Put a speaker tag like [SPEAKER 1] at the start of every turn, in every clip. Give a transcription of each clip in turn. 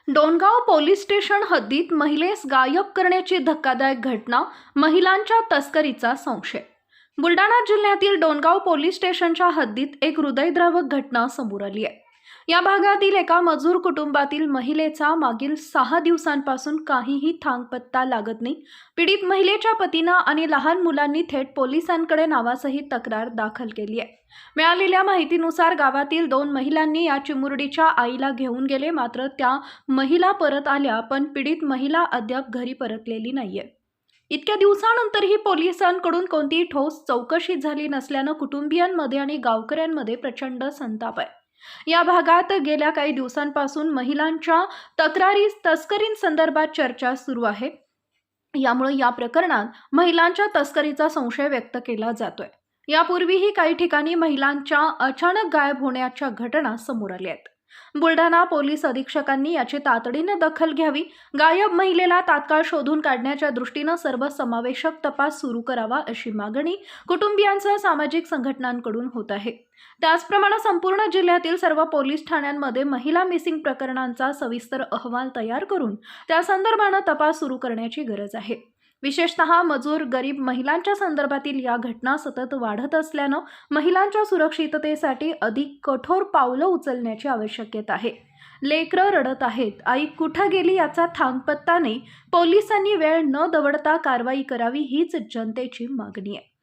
[SPEAKER 1] Dongaon police station हद्दीत महिलेस गायब करण्याची धक्कादायक घटना, महिलांच्या तस्करीचा संशय। बुलढाणा जिल्ह्यातील डोणगाव पोलीस स्टेशनच्या हद्दीत एक हृदयद्रावक घटना समोर आली आहे। या भागातील एका मजूर कुटुंबातील महिलेचा मागील 6 दिवसांपासून काहीही थांगपत्ता लागत नाही। पीडित महिलेच्या पतीने आणि लहान मुलांनी थेट पोलिसांकडे नावासहित तक्रार दाखल केली आहे। मिळालेल्या माहितीनुसार गावातील 2 महिलांनी या चिमुरडीच्या आईला घेऊन गेले, मात्र त्या महिला परत आल्या, पण पीडित महिला अद्याप घरी परतलेली नाहीये। इतक्या दिवसानंतरही पोलिसांकडून कोणतीही ठोस चौकशी झाली नसल्याने कुटुंबियांमध्ये आणि गावकऱ्यांमध्ये प्रचंड संताप आहे। या भागात गेल्या काही दिवसांपासून महिलांच्या तक्रारी तस्करींसंदर्भात चर्चा सुरू आहे। यामुळे या प्रकरणात महिलांच्या तस्करीचा संशय व्यक्त केला जातोय। यापूर्वीही काही ठिकाणी महिलांच्या अचानक गायब होण्याच्या घटना समोर आल्या आहेत। बुलढाणा पोलीस अधीक्षकांनी याची तातडीने दखल घ्यावी, गायब महिलेला तात्काळ शोधून काढण्याच्या दृष्टीने सर्वसमावेशक तपास सुरू करावा, अशी मागणी कुटुंबियांसह सामाजिक संघटनांकडून होत आहे। त्याचप्रमाणे संपूर्ण जिल्ह्यातील सर्व पोलीस ठाण्यांमध्ये महिला मिसिंग प्रकरणांचा सविस्तर अहवाल तयार करून त्या संदर्भाने तपास सुरू करण्याची गरज आहे। विशेषतः मजूर गरीब महिलांच्या संदर्भातील या घटना सतत वाढत असल्याने महिलांच्या सुरक्षिततेसाठी अधिक कठोर पावलं उचलण्याची आवश्यकता आहे। लेकरं रडत आहेत, आई कुठे गेली याचा थांगपत्ता नाही। पोलिसांनी वेळ न दवडता कारवाई करावी, हीच जनतेची मागणी आहे।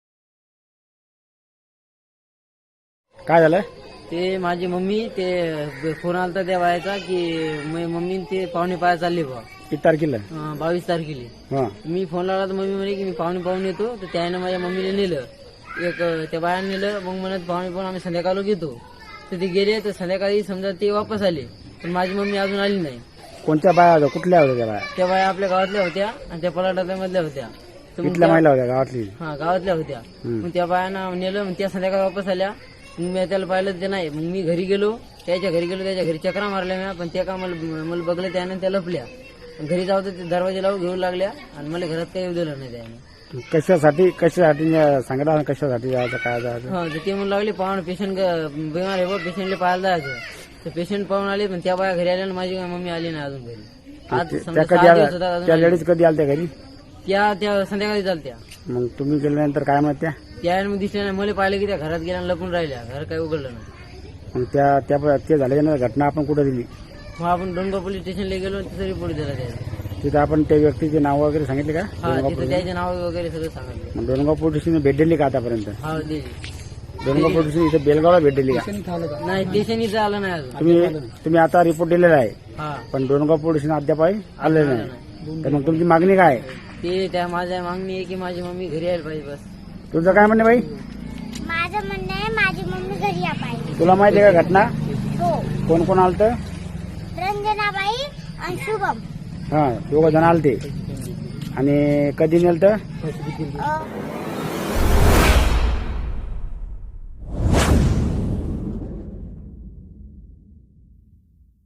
[SPEAKER 2] काय झालं?
[SPEAKER 3] ते माझी मम्मी ते फोन आलता त्या बायाचा की मम्मी ते पाहुणे पाया चालले बा
[SPEAKER 2] किती तारखेला?
[SPEAKER 3] 22 तारखेला।
[SPEAKER 2] हा,
[SPEAKER 3] मी फोन लावला तर मम्मी म्हणे की मी पाहुणे येतो, तर त्याने माझ्या मम्मीला नेलं, त्या बायाने नेलं। मग म्हणत पाहुणे आम्ही संध्याकाळला घेतो, तर ते गेले, तर संध्याकाळी समजा ते वापस आले, पण माझी मम्मी अजून आली नाही।
[SPEAKER 2] कोणत्या बाया होत्या? कुठल्या होत्या त्या बाया?
[SPEAKER 3] त्या बाया आपल्या गावातल्या होत्या आणि त्या पलाटातल्या होत्या। तर मग
[SPEAKER 2] कुठल्या महिला होत्या? गावातली?
[SPEAKER 3] हा, गावातल्या होत्या। मग त्या बायांना नेलं, मग त्या संध्याकाळी वापस आल्या। मग मी त्याला पाहिलं ते नाही, मग मी घरी गेलो, त्याच्या घरी चक्रा मारल्या मी, पण त्या का मला बघलं त्याने, त्या लपल्या। घरी जाऊ तर ते दरवाजे लावून घेऊ लागल्या आणि मला घरात काही येऊ दिलं नाही त्याने।
[SPEAKER 2] कशासाठी सांगा, कशासाठी जायचं, काय जायचं?
[SPEAKER 3] हा, तर ते म्हणू लागले पाहून पेशंट बिमार आहे बा, पेशंटला पाहायला जायचं। तर पेशंट पाहून आले, पण त्या बाया घरी आल्या आणि माझी मम्मी आली नाही अजून घरी। आज समजा 6 दिवस होता अजून
[SPEAKER 2] त्या लेडीज कधी आल्या त्या घरी?
[SPEAKER 3] त्या संध्याकाळी चालत्या।
[SPEAKER 2] मग तुम्ही गेल्यानंतर काय म्हणत
[SPEAKER 3] त्या मग दिसल्या नाही, मला पाहिलं की त्या घरात गेल्या लपून राहिल्या, घर काही उघडलं नाही।
[SPEAKER 2] मग ते झाल्याच्या घटना आपण कुठे दिली?
[SPEAKER 3] मग आपण डोणगाव पोलीस स्टेशनला गेलो, तिथे रिपोर्ट दिला त्याला।
[SPEAKER 2] तिथे आपण त्या व्यक्तीचे नाव वगैरे सांगितले का?
[SPEAKER 3] हा, तिथे त्याचे नाव वगैरे सगळं सांगितलं।
[SPEAKER 2] मग डोणगाव पोलीस स्टेशन भेट दिली का आतापर्यंत?
[SPEAKER 3] हा, दिली।
[SPEAKER 2] डोणगाव पोलीस स्टेशन इथे बेलगावला भेट दिली का?
[SPEAKER 3] नाही, स्टेशन इथं आलं नाही अजून।
[SPEAKER 2] तुम्ही आता रिपोर्ट दिलेला आहे,
[SPEAKER 3] हा,
[SPEAKER 2] पण डोणगाव पोलीस स्टेशन अद्याप आलेलं नाही। तर मग तुमची मागणी काय आहे?
[SPEAKER 3] ते त्या माझ्या मागणी आहे की माझी मम्मी घरी यायला पाहिजे, बस।
[SPEAKER 2] तुझं काय म्हणणं बाई?
[SPEAKER 4] माझं म्हणणं आहे माझी मम्मी घरी या पाहिजे।
[SPEAKER 2] तुला माहिती आहे का घटना?
[SPEAKER 4] हो,
[SPEAKER 2] कोण कोण आलत?
[SPEAKER 4] रंजनाबाई आणि शुभम।
[SPEAKER 2] हा, 2 जण आलते। आणि कधी नेलत?
[SPEAKER 4] अ,